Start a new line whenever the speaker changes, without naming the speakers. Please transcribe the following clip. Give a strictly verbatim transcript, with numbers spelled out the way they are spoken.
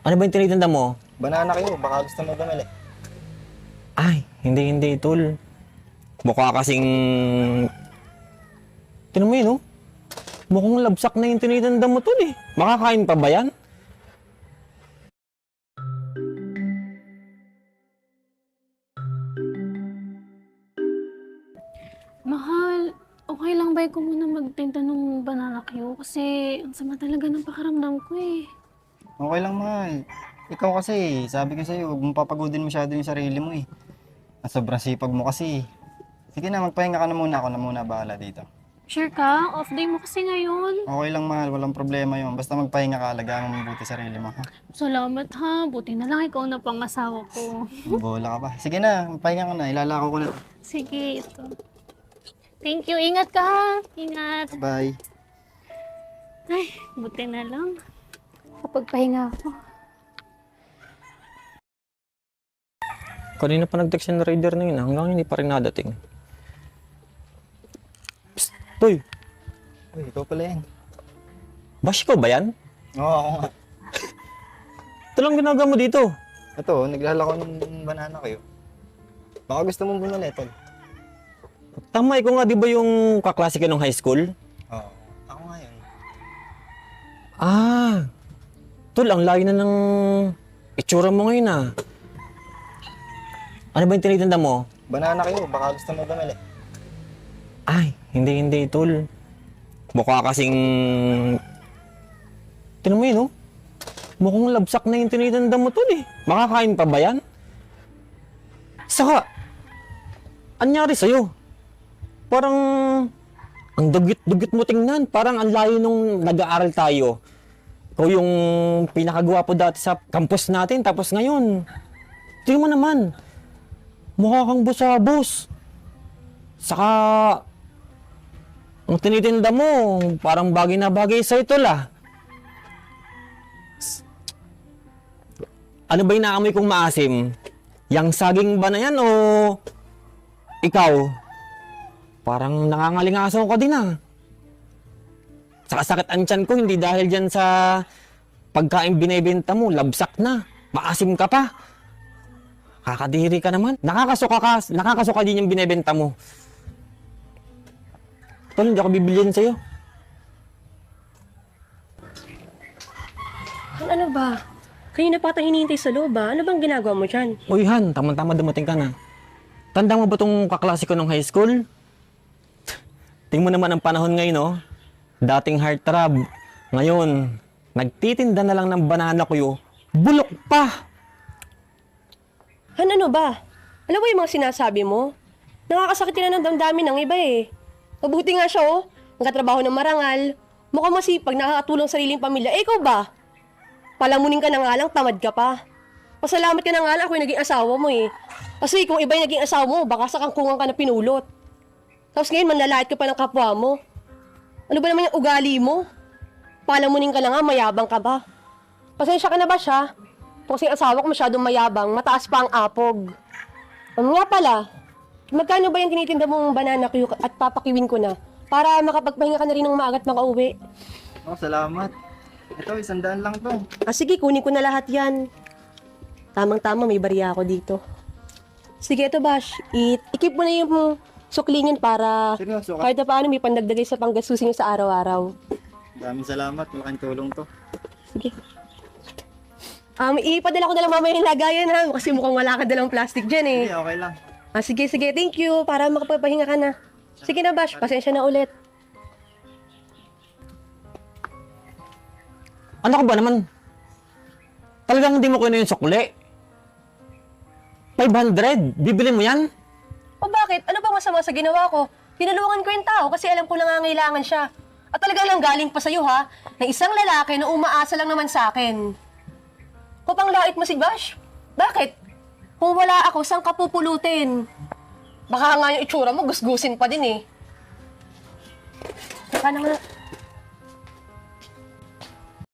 Ano ba yung tinitinda mo?
Banana kayo, baka gusto mo bumili.
Ay, hindi, hindi, tol. Mukha kasing... Tinan mo yun, oh. Mukhang labsak na yung tinitinda mo, tol, eh. Makakain pa ba yan?
Mahal, okay lang ba ko muna magtinda ng banana Q? Kasi ang sama talaga ng pakaramdam ko eh.
Okay lang, mahal. Ikaw kasi, sabi ko sa'yo, huwag mong papagodin masyado yung sarili mo eh. At sobrang sipag mo kasi. Sige na, magpahinga ka na muna. Ako na muna bahala dito.
Sure ka? Off day mo kasi ngayon.
Okay lang, mahal. Walang problema yun. Basta magpahinga ka, alagaan mo mabuti sarili mo, ha?
Salamat ha. Buti na lang ikaw na pangasawa ko.
Bola ka pa. Sige na, magpahinga ka na. Ilalako ko na.
Sige, ito. Thank you. Ingat ka ha. Ingat.
Bye.
Ay, buti na lang. Kapag pahinga ako.
Kanina pa nag-text yung rider na yun, ah. Hanggang hindi pa rin nadating. Psst, Toy!
Uy, ikaw pala yan.
Bash ko ba yan?
Oo, ako nga.
Ito lang ginagawa mo dito.
Ito, naglalako ng banana kayo. Baka gusto mong bumili, tol.
Tama, ikaw nga, di ba yung kaklase ka nung high school?
Oo, ako nga yun.
Ah, tol, ang layo na ng itsura mo ngayon, ah. Ano ba yung tinitinda mo?
Banana kayo, baka gusto mo bumili.
Ay, hindi, hindi, tol. Mukha kasing... Tinan mo yun, oh. Mukhang labsak na yung tinitinda mo, tol, eh. Makakain pa ba yan? Saka, anyari sa'yo? Parang... Ang dugit-dugit mo tingnan. Parang ang layo nung nag-aaral tayo. Ikaw yung pinakagwapo dati sa campus natin. Tapos ngayon, tingnan mo naman. Mukha kang busabos. Saka, ang tinitinda mo, parang bagay na bagay sa'yo, tol, ah. Ano ba yung naamoy kong maasim? Yang saging ba na yan o ikaw? Parang nangangalingasaw ka din, ah. Saka sakit ang tiyan ko, hindi dahil dyan sa pagkain binibenta mo, labsak na. Maasim ka pa. Kakadiri ka naman. Nakakasuka ka, nakakasuka din yung binibenta mo. Tol, hindi ako bibilhin sa'yo.
Han, ano ba? Kanina pa kitang hinihintay sa loob ba? Ano bang ginagawa mo dyan?
Uy, Han, tama-tama dumating ka na. Tanda mo ba itong kaklase ko nung high school? Tingnan mo naman ang panahon ngayon, no? Dating heartthrob. Ngayon, nagtitinda na lang ng banana ko, bulok pa!
Han, ano ba? Alam mo yung mga sinasabi mo? Nakakasakit na ng damdamin ng iba eh. Mabuti nga siya oh. Nagkatrabaho ng marangal. Mukhang masipag, nakakatulong sa sariling pamilya. Eh, ikaw ba? Palamunin ka na nga lang, tamad ka pa. Pasalamat ka na nga lang ako yung naging asawa mo eh. Kasi kung iba yung naging asawa mo, baka sa kangkungan ka na pinulot. Tapos ngayon, manlalait ka pa ng kapwa mo. Ano ba naman yung ugali mo? Palamunin ka na nga, mayabang ka ba? Pasensya ka na ba siya? Kasi yung asawa ko masyadong mayabang, mataas pa ang apog. Ano nga pala, magkano ba yung tinitinda mong banana Q at papakiwin ko na? Para makapagpahinga ka na rin ng maagat makauwi.
Oh, salamat. Ito, isang daan lang to.
Ah sige, kunin ko na lahat yan. Tamang-tama, may bariya ako dito. Sige, ito Bash, i- ikip mo na yung suklingin para
Seryoso ka?
kahit na paano may pandagdagay sa panggastusin sa araw-araw.
Maraming salamat. Malaking tulong to.
Sige. Um, ipadala ko na lang mamaya yung lagayan ha, kasi mukhang wala ka dalang plastic dyan eh.
Hindi, okay lang.
Ah, sige, sige, thank you, para makapagpahinga ka na. Sige na Bash, pasensya na ulit.
Ano ka ba naman? Talagang hindi mo kunin yung sukli? five hundred? Bibili mo yan?
O bakit? Ano ba masama sa ginawa ko? Tinulungan ko yung tao kasi alam ko nangangailangan siya. At talaga lang galing pa sa'yo ha, na isang lalaki na umaasa lang naman sa akin. Kung pang lait mo si Bash, bakit? Kung wala ako, saan ka pupulutin? Baka nga yung itsura mo, gusgusin pa din eh. Baka naman,